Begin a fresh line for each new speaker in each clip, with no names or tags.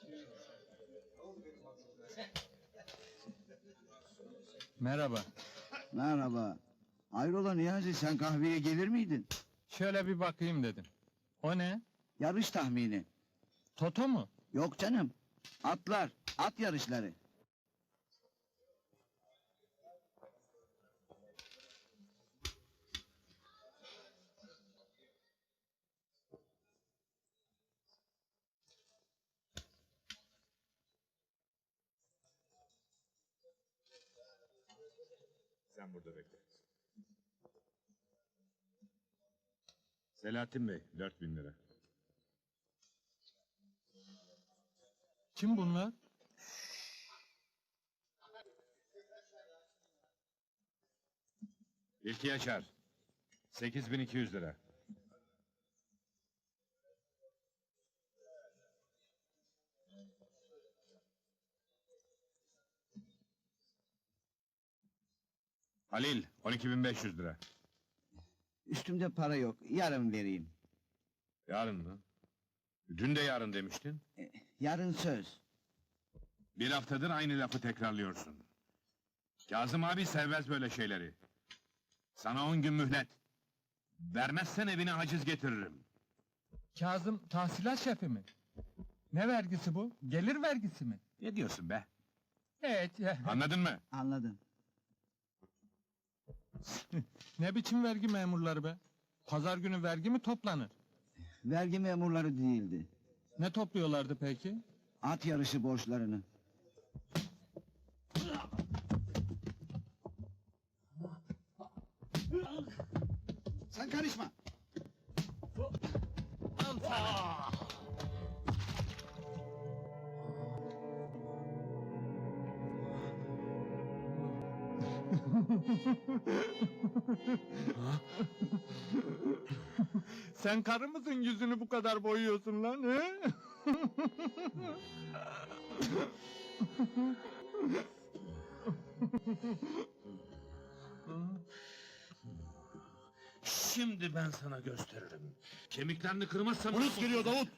Merhaba.
Merhaba. Hayrola Niyazi, sen kahveye gelir miydin?
Şöyle bir bakayım dedim. O ne?
Yarış tahmini.
Toto mu?
Yok canım. Atlar, at yarışları.
Sen burada bekle. Selahattin Bey, 4.000 lira.
Kim bunlar?
İlki Yaşar, 8.200 lira. Halil, 12.500 lira.
Üstümde para yok, yarın vereyim.
Yarın mı? Dün de yarın demiştin.
Yarın söz.
Bir haftadır aynı lafı tekrarlıyorsun. Kazım abi sevmez böyle şeyleri. Sana 10 gün mühlet. Vermezsen evine haciz getiririm.
Kazım tahsilat şefi mi? Ne vergisi bu? Gelir vergisi mi?
Ne diyorsun be?
Evet.
Anladın mı?
Anladın.
Ne biçim vergi memurları be? Pazar günü vergi mi toplanır?
Vergi memurları değildi.
Ne topluyorlardı peki?
At yarışı borçlarını. Sen karışma.
Sen karı mısın yüzünü bu kadar boyuyorsun lan he?
Şimdi ben sana gösteririm. Kemiklerini kırmazsam...
Polis geliyor Davut!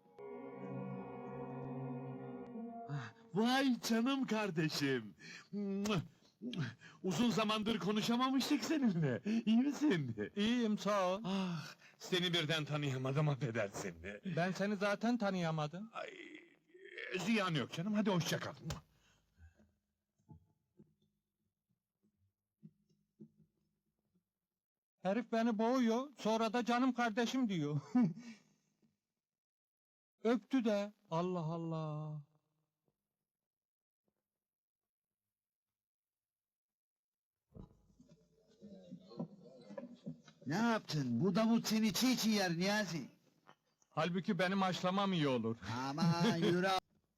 Vay canım kardeşim! Uzun zamandır konuşamamıştık seninle. İyi misin?
İyiyim sağ ol.
Ah, seni birden tanıyamadım, affedersin.
Ben seni zaten tanıyamadım.
Ay, ziyan yok canım, hadi hoşça kal.
Herif beni boğuyor, sonra da canım kardeşim diyor. Öptü de, Allah Allah.
Ne yaptın? Bu Davut seni çiğ çiğ yer Niyazi.
Halbuki benim haşlamam iyi olur.
Aman yürü.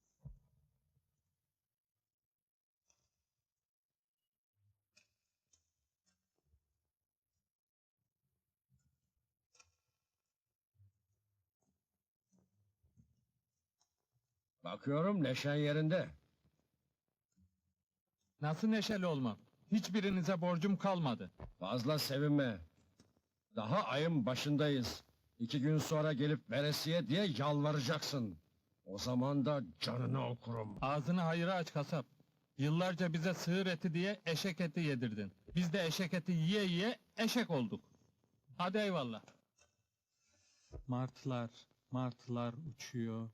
Bakıyorum neşen yerinde.
Nasıl neşeli olmam? Hiçbirinize borcum kalmadı.
Fazla sevinme. Daha ayın başındayız. 2 gün sonra gelip veresiye diye yalvaracaksın. O zaman da canını okurum.
Ağzını hayıra aç kasap. Yıllarca bize sığır eti diye eşek eti yedirdin. Biz de eşek eti yiye yiye eşek olduk. Hadi eyvallah. Martılar, martılar uçuyor.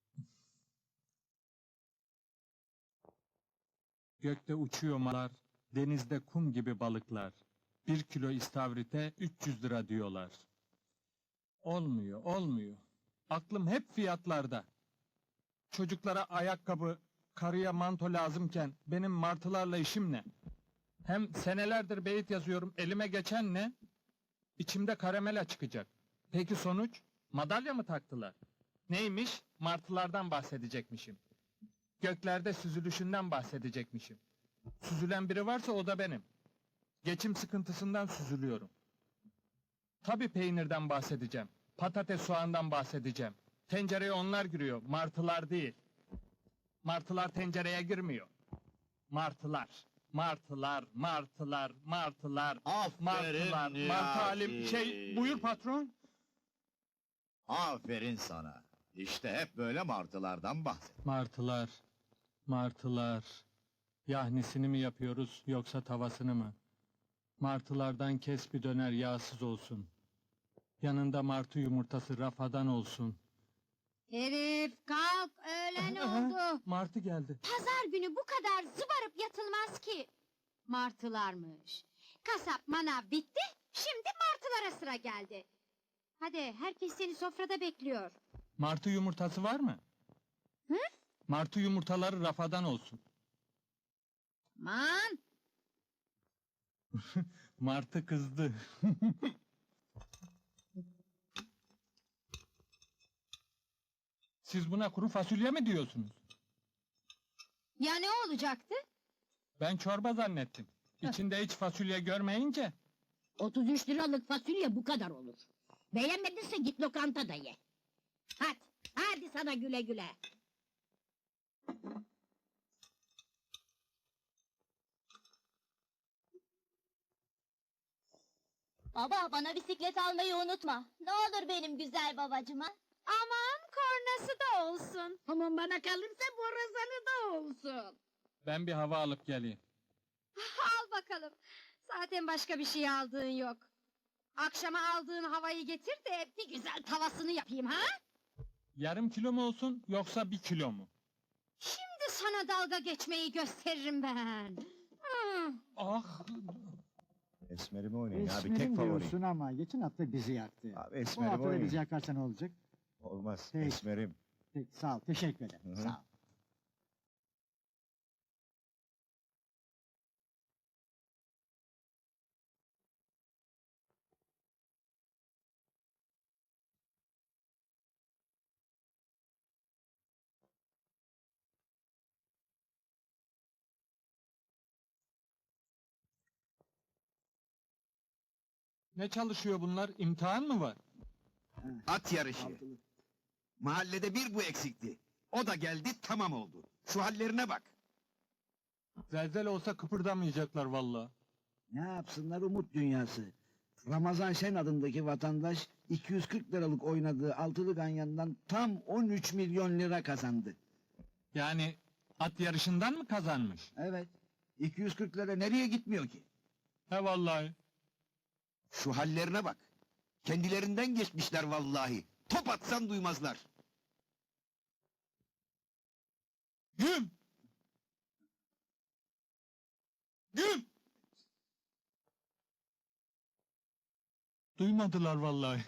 Gökte uçuyor martılar, denizde kum gibi balıklar. 1 kilo istavrite 300 lira diyorlar. Olmuyor, olmuyor. Aklım hep fiyatlarda. Çocuklara ayakkabı, karıya manto lazımken benim martılarla işim ne? Hem senelerdir beyit yazıyorum, elime geçen ne? İçimde karamela çıkacak. Peki sonuç? Madalya mı taktılar? Neymiş? Martılardan bahsedecekmişim. Göklerde süzülüşünden bahsedecekmişim. Süzülen biri varsa o da benim. Geçim sıkıntısından süzülüyorum. Tabii peynirden bahsedeceğim. Patates soğandan bahsedeceğim. Tencereye onlar giriyor, martılar değil. Martılar tencereye girmiyor. Martılar, martılar, martılar, martılar,
Aferin
martılar,
Niyazi.
martı halim... Buyur patron.
Aferin sana. İşte hep böyle martılardan bahset.
Martılar, martılar. Yahnisini mi yapıyoruz yoksa tavasını mı? Martılardan kes bir döner yağsız olsun. Yanında martı yumurtası rafadan olsun.
Herif kalk, öğlen oldu.
Martı geldi.
Pazar günü bu kadar zıbarıp yatılmaz ki. Martılarmış. Kasap manav bitti, şimdi martılara sıra geldi. Hadi, herkes seni sofrada bekliyor.
Martı yumurtası var mı?
Hı?
Martı yumurtaları rafadan olsun.
Man,
Martı kızdı. Siz buna kuru fasulye mi diyorsunuz?
ya ne olacaktı?
Ben çorba zannettim. İçinde hiç fasulye görmeyince.
33 liralık fasulye bu kadar olur. Beğenmedinse git lokantada ye. Hadi, hadi sana güle güle.
Baba bana bisiklet almayı unutma. Ne olur benim güzel babacıma.
Aman, kornası da olsun.
Aman bana kalırsa borazanı da olsun.
Ben bir hava alıp geleyim.
Al bakalım. Zaten başka bir şey aldığın yok. Akşama aldığın havayı getir de bir güzel tavasını yapayım ha?
Yarım kilo mu olsun yoksa 1 kilo mu?
Şimdi sana dalga geçmeyi gösteririm ben. Hı.
Ah!
Esmerimi oynayın abi,
Esmerim
tek favorim.
diyorsun ama geçen hafta bizi yaktı.
Abi
Bu
esmerimi
hafta da bizi
oynayın.
yakarsa ne olacak?
Olmaz,
Peki.
esmerim.
Peki, sağ ol, teşekkür ederim.
Hı hı.
Sağ ol.
Ne çalışıyor bunlar? İmtihan mı var?
At yarışı.
Altılı.
Mahallede bir bu eksikti. O da geldi, tamam oldu. Şu hallerine bak.
Zelzel olsa kıpırdamayacaklar vallahi.
Ne yapsınlar umut dünyası. Ramazan Şen adındaki vatandaş 240 liralık oynadığı altılı ganyandan tam 13 milyon lira kazandı.
Yani at yarışından mı kazanmış?
Evet. 240 lira nereye gitmiyor ki?
He vallahi.
Şu hallerine bak. Kendilerinden geçmişler vallahi. Top atsan duymazlar.
Güm! Güm! Duymadılar vallahi.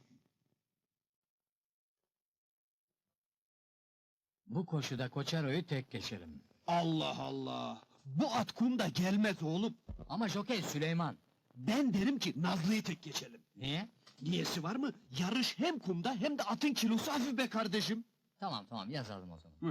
Bu koşuda Koçero'yu tek geçerim.
Allah Allah. Bu at kumda gelmez oğlum.
Ama jokey Süleyman.
Ben derim ki Nazlı'yı tek geçelim.
Niye?
Niyesi var mı? Yarış hem kumda hem de atın kilosu hafif be kardeşim.
Tamam yazalım o zaman.
Buyur.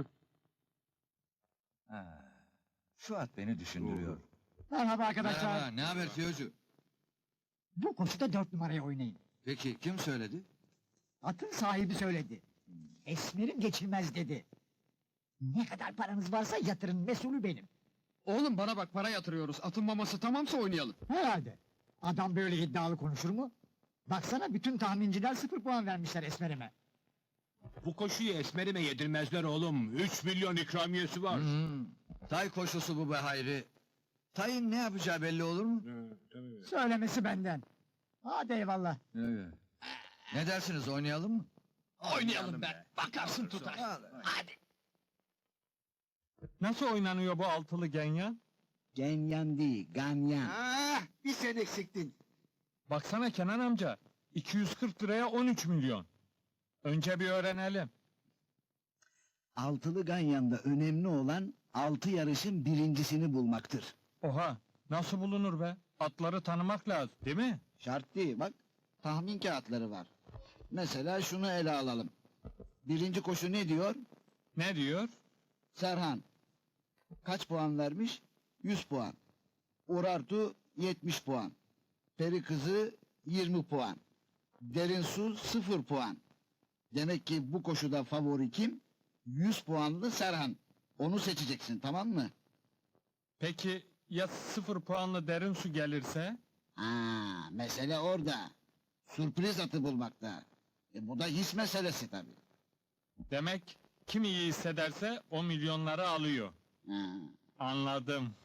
Şu at beni düşündürüyor.
Merhaba arkadaşlar.
ne haber Tiyocu?
Bu koşuda 4 numaraya oynayın.
Peki kim söyledi?
Atın sahibi söyledi. Esmerim geçilmez dedi. Ne kadar paranız varsa yatırın, mesulü benim.
Oğlum bana bak, para yatırıyoruz. Atın maması tamamsa oynayalım.
Herhalde. Adam böyle iddialı konuşur mu? Baksana bütün tahminciler 0 puan vermişler Esmerime.
Bu koşuyu esmerime yedirmezler oğlum. 3 milyon ikramiyesi var.
Tay koşusu bu be Hayri. Tayın ne yapacağı belli olur mu?
Söylemesi benden. Hadi eyvallah.
Ne dersiniz oynayalım mı?
Oynayalım be. Bakarsın tutar.
Nasıl oynanıyor bu altılı genyan?
Genyan değil, ganyan.
Ah, bir sen eksiktin.
Baksana Kenan amca. 240 liraya 13 milyon. Önce bir öğrenelim.
Altılı ganyanda önemli olan 6 yarışın birincisini bulmaktır.
Oha! Nasıl bulunur be? Atları tanımak lazım, değil mi?
Şart değil bak, tahmin kağıtları var. Mesela şunu ele alalım. Birinci koşu ne diyor?
Ne diyor?
Serhan. Kaç puan vermiş? 100 puan. Urartu 70 puan. Peri kızı 20 puan. Derin su 0 puan. Demek ki bu koşuda favori kim? 100 puanlı Serhan. Onu seçeceksin, tamam mı?
Peki ya 0 puanlı derin su gelirse?
Mesele orada. Sürpriz atı bulmakta. Bu da his meselesi tabii.
Demek kim iyi hissederse o milyonları alıyor.
Ha.
Anladım.